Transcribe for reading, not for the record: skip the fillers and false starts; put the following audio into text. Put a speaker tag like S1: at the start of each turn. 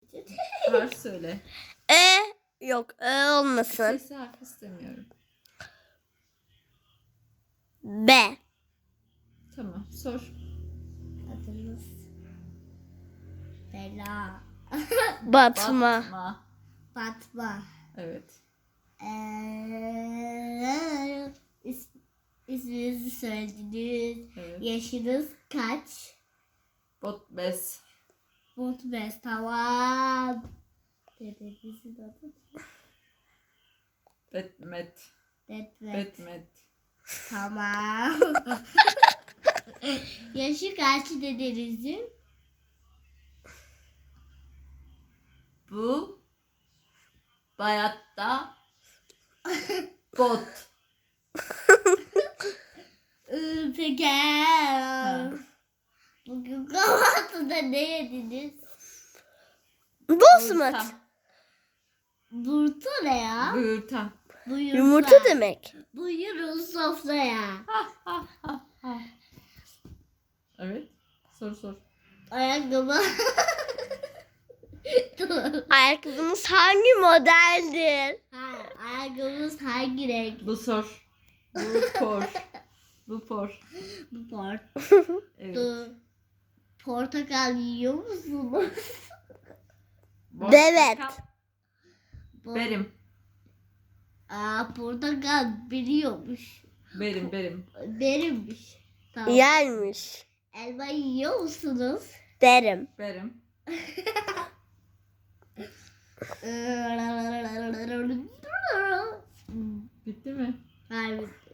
S1: Harf söyle.
S2: Yok olmasın.
S1: Sesli harf istemiyorum.
S2: B.
S1: Tamam, sor.
S3: Adınız Bela.
S2: Batma.
S1: Batma.
S3: Fatma.
S1: Evet.
S3: İsminizi söylediniz.
S1: Evet.
S3: Yaşınız kaç?
S1: Botbes.
S3: Mutbez, tamam. Dedenizin adı
S1: Betmet.
S3: Detmet,
S1: Betmet.
S3: tamam. Yaşı kaç dedenizin?
S1: Bu bayatta bot.
S3: Peki. Bugün kahvaltıda ne yediniz?
S2: Bosmat.
S1: Yumurta.
S3: Burta ne ya?
S1: Buyurta.
S3: Buyursa.
S2: Yumurta demek.
S3: Buyurun sofraya.
S1: Evet. Sor.
S3: Ayakkabı.
S2: Ayakkabınız hangi modeldir?
S3: Ayakkabımız hangi renk?
S1: Bu sor. Bu por. Bu por.
S3: Bu port.
S1: Evet.
S3: Portakal yiyor musunuz?
S2: Evet.
S1: Berim.
S3: Portakal biliyormuş.
S1: Berim.
S3: Benimmiş. Tamam.
S2: Yermiş.
S3: Elma yiyor musunuz?
S2: Derim.
S1: Berim.
S3: Hmm.
S1: Bitti mi?
S3: Hayır.